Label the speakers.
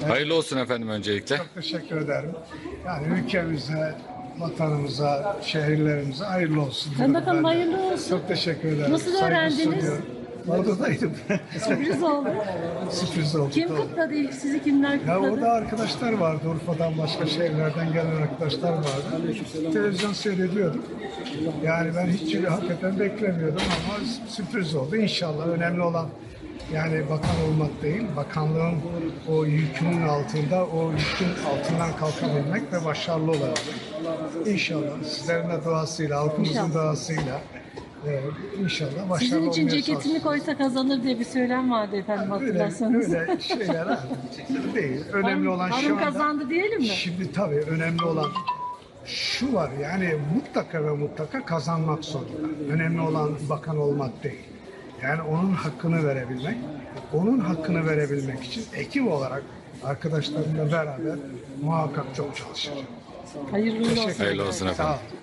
Speaker 1: Hayırlı olsun efendim öncelikle.
Speaker 2: Çok teşekkür ederim. Yani ülkemize, vatanımıza, şehirlerimize hayırlı olsun.
Speaker 3: Sayın
Speaker 2: diyorum
Speaker 3: Bakanım
Speaker 2: ben de.
Speaker 3: hayırlı olsun.
Speaker 2: Çok teşekkür ederim.
Speaker 3: Nasıl
Speaker 2: Saygı
Speaker 3: öğrendiniz?
Speaker 2: sunuyorum. Oradaydım.
Speaker 3: Sürpriz oldu.
Speaker 2: Sürpriz oldu.
Speaker 3: Kim
Speaker 2: doğru.
Speaker 3: kutladı ilk? Sizi kimler
Speaker 2: Ya
Speaker 3: kutladı?
Speaker 2: orada arkadaşlar vardı. Urfa'dan başka şehirlerden gelen arkadaşlar vardı. Televizyon seyrediyorduk. Yani ben hiç hakikaten beklemiyordum ama sürpriz oldu. İnşallah önemli olan yani bakan olmak değil, bakanlığın o yükünün altında, o yükün altından kalkabilmek ve başarılı olabilmek. İnşallah sizlerin de duasıyla, halkımızın
Speaker 3: İnşallah.
Speaker 2: duasıyla inşallah başarılı
Speaker 3: Sizin için
Speaker 2: olmaya
Speaker 3: ceketini
Speaker 2: çalışacağız.
Speaker 3: koysa kazanır diye bir söylem vardı efendim hatırlarsanız.
Speaker 2: Öyle şeyler ha, değil. Önemli olan şu
Speaker 3: hanım
Speaker 2: anda...
Speaker 3: kazandı diyelim mi?
Speaker 2: Şimdi tabii önemli olan şu var, yani mutlaka ve mutlaka kazanmak zorunda. Önemli olan bakan olmak değil. Yani onun hakkını verebilmek. Onun hakkını verebilmek için ekip olarak arkadaşlarımla beraber muhakkak çok çalışacağım.
Speaker 3: Hayırlı olsun.
Speaker 1: Hayırlı olsun efendim.
Speaker 2: Sağ ol.